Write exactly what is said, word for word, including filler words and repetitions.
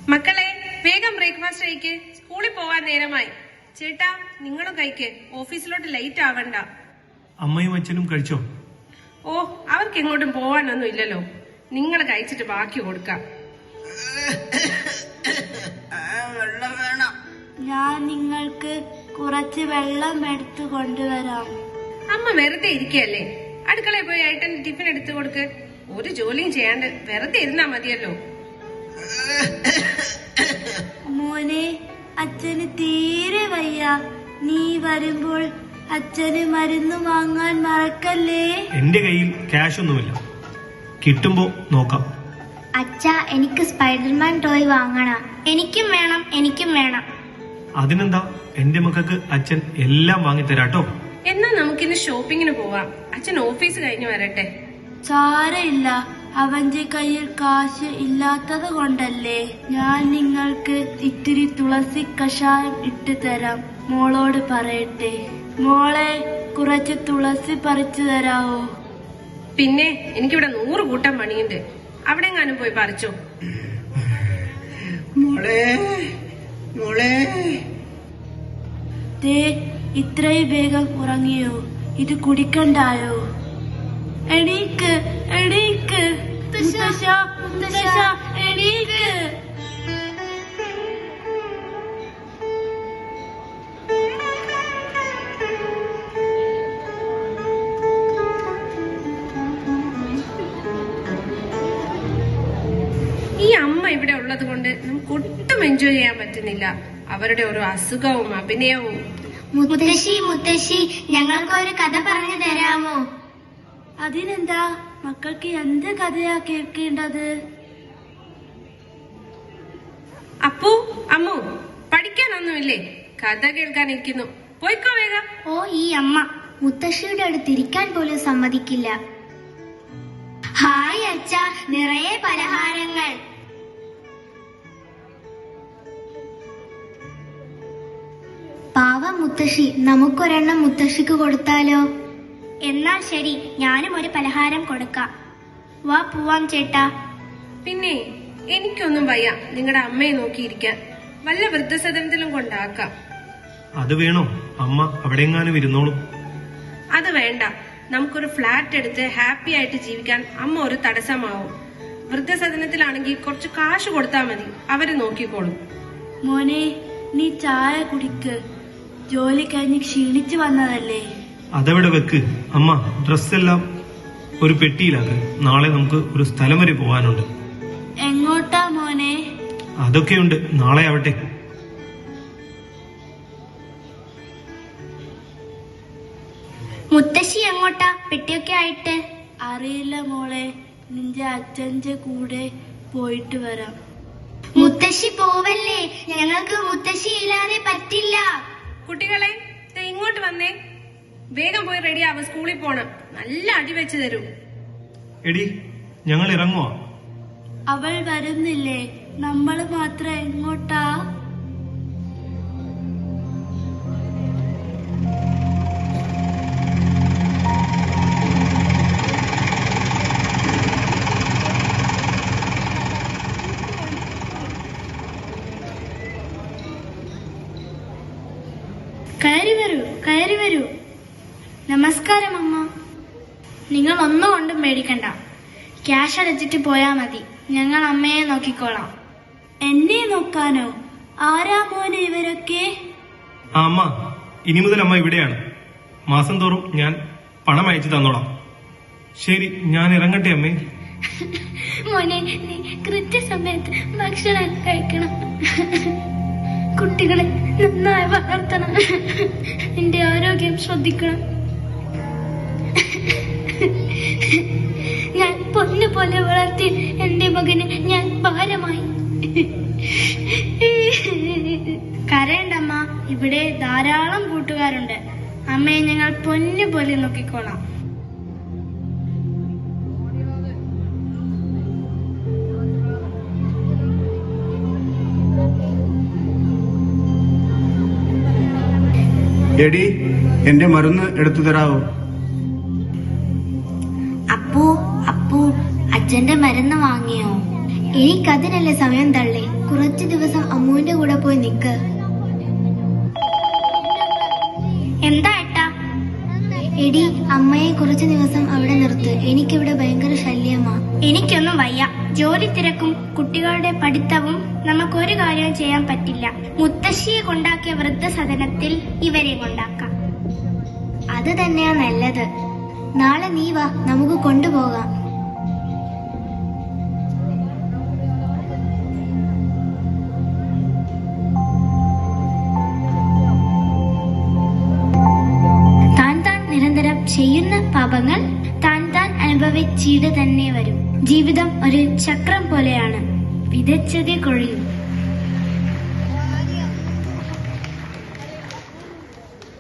മക്കളെ വേഗം ബ്രേക്ക്ഫാസ്റ്റ് കഴിക്ക്, സ്കൂളിൽ പോവാൻ നേരമായി. ചേട്ടാ നിങ്ങളും കഴിക്ക്, ഓഫീസിലോട്ട് ലേറ്റ് ആവണ്ട. അമ്മയും അച്ഛനും കഴിച്ചോ? ഓ അവർക്ക് എങ്ങോട്ടും പോവാനൊന്നും ഇല്ലല്ലോ, നിങ്ങൾ കഴിച്ചിട്ട് ബാക്കി കൊടുക്കാം. വെള്ളം വേണം. ഞാൻ നിങ്ങൾക്ക് കുറച്ച് വെള്ളം എടുത്തു കൊണ്ടുവരാം. അമ്മ വെറുതെ ഇരിക്കല്ലേ, അടുക്കളയിൽ പോയി ഏട്ടൻ ടിഫിൻ എടുത്തു കൊടുക്ക്. ഒരു ജോലിയും ചെയ്യാണ്ട് വെറുതെ ഇരുന്നാ മതിയല്ലോ. മോനെ, അച്ഛന് തീരെ വയ്യ. നീ വരുമ്പോൾ അച്ഛന് മരുന്ന് വാങ്ങാൻ മറക്കല്ലേ. എന്റെ കയ്യിൽ ക്യാഷ് ഒന്നുമില്ല, കിട്ടുമ്പോ നോക്കാം. അച്ഛാ, എനിക്ക് സ്പൈഡർമാൻ ടോയ് വാങ്ങണം. എനിക്കും വേണം, എനിക്കും വേണം. അതിനെന്താ, എന്റെ മക്കൾക്ക് അച്ഛൻ എല്ലാം വാങ്ങിത്തരാട്ടോ. എന്നാ നമുക്കിന്ന് ഷോപ്പിങ്ങിന് പോവാം. അച്ഛൻ ഓഫീസ് കഴിഞ്ഞു വരട്ടെ. സാരമില്ല, അവന്റെ കയ്യിൽ കാശ് ഇല്ലാത്തത് കൊണ്ടല്ലേ. ഞാൻ നിങ്ങൾക്ക് ഇത്തിരി തുളസി കഷായം ഇട്ട് തരാം. മോളോട് പറയട്ടെ. മോളെ, കുറച്ച് തുളസി പറിച്ചു തരാവോ? പിന്നെ എനിക്കിവിടെ നൂറ് കൂട്ടം പണിയുണ്ട്, അവിടെ എങ്ങാനും പോയി പറിച്ചോ. മോളെ മോളെ ദേ, ഇത്രയും വേഗം ഉറങ്ങിയോ? ഇത് കുടിക്കണ്ടായോ? എണീക്ക്, എണീക്ക് മുത്തശ്ശ, മുത്തശ്ശ, എണീക്ക്. ഈ അമ്മ ഇവിടെ ഉള്ളത് കൊണ്ട് നമുക്ക് ഒട്ടും എൻജോയ് ചെയ്യാൻ പറ്റുന്നില്ല. അവരുടെ ഓരോ അസുഖവും അഭിനയവും. മുത്തശ്ശി മുത്തശ്ശി ഞങ്ങൾക്കൊരു കഥ പറഞ്ഞു തരാമോ? അതിനെന്താ, മക്കൾക്ക് എന്ത് കഥയാ കേൾക്കേണ്ടത്? അപ്പു അമ്മു പഠിക്കാനൊന്നുമില്ലേ? കഥ കേൾക്കാനിരിക്കുന്നു, പോയിക്കോ വേഗം. ഓ, ഈ അമ്മ മുത്തശ്ശിയുടെ അടുത്ത് ഇരിക്കാൻ പോലും സമ്മതിക്കില്ല. ഹായ് അച്ഛ, നിറയെ പലഹാരങ്ങൾ. പാവം മുത്തശ്ശി, നമുക്കൊരെണ്ണം മുത്തശ്ശിക്ക് കൊടുത്താലോ? എന്നാൽ ശരി, ഞാനും ഒരു പലഹാരം കൊടുക്കാം. വാ പോവാം ചേട്ടാ. പിന്നെ എനിക്കൊന്നും വയ്യ നിങ്ങളുടെ അമ്മയെ നോക്കിയിരിക്കാൻ. വല്ല വൃദ്ധസദനത്തിലും കൊണ്ടാക്കാം. അത് വേണോ? അമ്മ അവിടെയെങ്ങാനും ഇരുന്നോളും. അത് വേണ്ട, നമുക്കൊരു ഫ്ലാറ്റ് എടുത്ത് ഹാപ്പി ആയിട്ട് ജീവിക്കാൻ അമ്മ ഒരു തടസ്സമാവും. വൃദ്ധസദനത്തിലാണെങ്കിൽ കുറച്ച് കാശ് കൊടുത്താൽ മതി, അവര് നോക്കിക്കോളും. മോനെ, നീ ചായ കുടിക്ക്. ജോലി കഴിഞ്ഞ് ക്ഷീണിച്ചു വന്നതല്ലേ. അതവിടെ വെക്ക്. അമ്മ, ഡ്രസ്സെല്ലാം ഒരു പെട്ടിയിലാക്ക്. നാളെ നമുക്ക് ഒരു സ്ഥലം വരെ പോകാനുണ്ട്. എങ്ങോട്ടാ മോനെ? അതൊക്കെയുണ്ട്, നാളെ ആവട്ടെ. മുത്തശ്ശി എങ്ങോട്ടാ പെട്ടിയൊക്കെ ആയിട്ട്? അറിയില്ല മോളെ, നിന്റെ അച്ഛന്റെ കൂടെ പോയിട്ട് വരാം. മുത്തശ്ശി പോവല്ലേ, ഞങ്ങൾക്ക് മുത്തശ്ശി ഇല്ലാതെ പറ്റില്ല. കുട്ടികളെ ദേ ഇങ്ങോട്ട് വന്നേ, വേഗം പോയി റെഡി ആവും, സ്കൂളിൽ പോണം. നല്ല അടി വെച്ച് തരൂ. എടി, ഞങ്ങൾ ഇറങ്ങുവാ. അവൾ വരുന്നില്ലേ? നമ്മൾ മാത്രം എങ്ങോട്ടാ? കയറി വരൂ, കയറി വരൂ. നമസ്കാരം അമ്മ. നിങ്ങൾ ഒന്നും കൊണ്ടും മേടിക്കണ്ട, ക്യാഷ് അടച്ചിട്ട് പോയാ മതി. ഞങ്ങൾ അമ്മയെ നോക്കിക്കോളാം. എന്നെ നോക്കാനോ? ആരാ മോനെ ഇവരൊക്കെ? ആ അമ്മ, ഇനി മുതൽ അമ്മ ഇവിടെയാണ്. മാസം തോറും ഞാൻ പണം അയച്ചു തന്നോളാം. ശരി, ഞാൻ ഇറങ്ങട്ടെ അമ്മേ. മോനെ, നീ കൃത്യസമയത്ത് ഭക്ഷണം കഴിക്കണം. കുട്ടികളെ നന്നായി വളർത്തണം. നിന്റെ ആരോഗ്യം ശ്രദ്ധിക്കണം. ഞാൻ പൊന്നു പോലെ വളർത്തി എന്റെ മകന് ഞാൻ ഭാരമായി. കരയണ്ടമ്മ, ഇവിടെ ധാരാളം കൂട്ടുകാരുണ്ട്. അമ്മയെ ഞങ്ങൾ പൊന്നു പോലെ നോക്കിക്കോളാം. എടി, എന്റെ മരുന്ന് എടുത്തു തരാവോ? അപ്പു അപ്പു അച്ഛന്റെ മരുന്ന് വാങ്ങിയോ? എനിക്കതിനല്ലേ സമയം തള്ളി. കുറച്ചു ദിവസം അമ്മുവിന്റെ കൂടെ പോയി നിക്ക്. എന്താ ഏട്ടാ? എടി, അമ്മയെ കുറച്ചു ദിവസം അവിടെ നിർത്ത്. എനിക്കിവിടെ ഭയങ്കര ശല്യമാ. എനിക്കൊന്നും വയ്യ. ജോലി തിരക്കും കുട്ടികളുടെ പഠിത്തവും നമുക്കൊരു കാര്യവും ചെയ്യാൻ പറ്റില്ല. മുത്തശ്ശിയെ കൊണ്ടാക്കിയ വൃദ്ധസദനത്തിൽ ഇവരെ കൊണ്ടാക്കാം. അത് തന്നെയാ നല്ലത്. നാളെ നീ വാ, നമുക്ക് കൊണ്ടുപോകാം. താൻ താൻ നിരന്തരം ചെയ്യുന്ന പാപങ്ങൾ താൻ താൻ അനുഭവിച്ചിട്ട് തന്നെ വരും. ജീവിതം ഒരു ചക്രം പോലെയാണ്. വിതച്ചതേ കൊഴിയും.